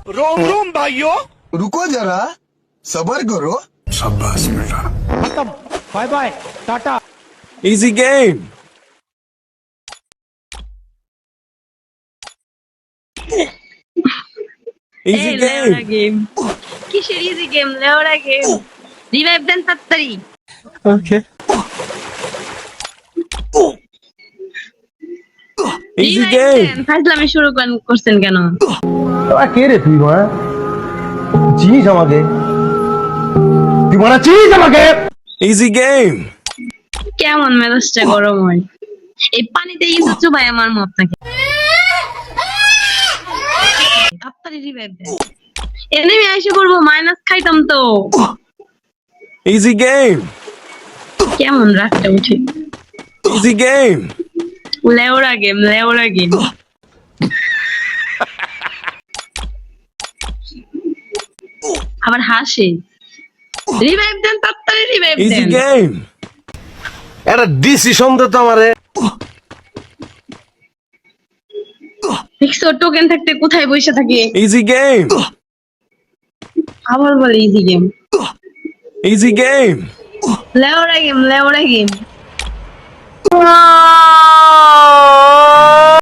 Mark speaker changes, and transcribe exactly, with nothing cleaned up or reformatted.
Speaker 1: रोम रोम भाइयों,
Speaker 2: रुको जरा सबर करो। शाबाश बेटा।
Speaker 3: खत्म, बाय बाय, टाटा।
Speaker 4: Easy game. Easy
Speaker 5: এই লেওড়া
Speaker 4: game.
Speaker 5: গেম কিসের ইজি গেম লেওড়া গেম রিভাইভ দেন তাড়াতাড়ি
Speaker 4: Okay. Easy
Speaker 5: revive
Speaker 4: game.
Speaker 5: দেন ফাজলামি শুরু করেন- করছেন কেন
Speaker 3: তোরা কে রে তুই মা? চিনিস আমাকে? তুই মারা চিনিস আমাকে?
Speaker 4: Easy game.
Speaker 5: কেমন মেজাজটা গরম হয় এই পানিতে ইঁদুর চুবাই আমার মত নাকি তাড়াতাড়ি রিভাইভ দেন এনিমি আইসে করবো মাইনাস খাইতাম তো
Speaker 4: Easy game.
Speaker 5: কেমন রাগটা উঠে
Speaker 4: Easy game.
Speaker 5: লেওড়া গেম লেওড়া গেম আবার হাসে রিভাইভ দেন তাড়াতাড়ি রিভাইভ
Speaker 4: Easy
Speaker 5: দেন
Speaker 4: game.
Speaker 3: একটা ডিসিশন দে তো আমারে।
Speaker 5: দেখছো টোকেন থাকতে কোথায় বসে থাকে
Speaker 4: Easy game.
Speaker 5: আবার বলে ইজি গেম
Speaker 4: Easy game.
Speaker 5: লেওড়া গেম লেওড়া গেম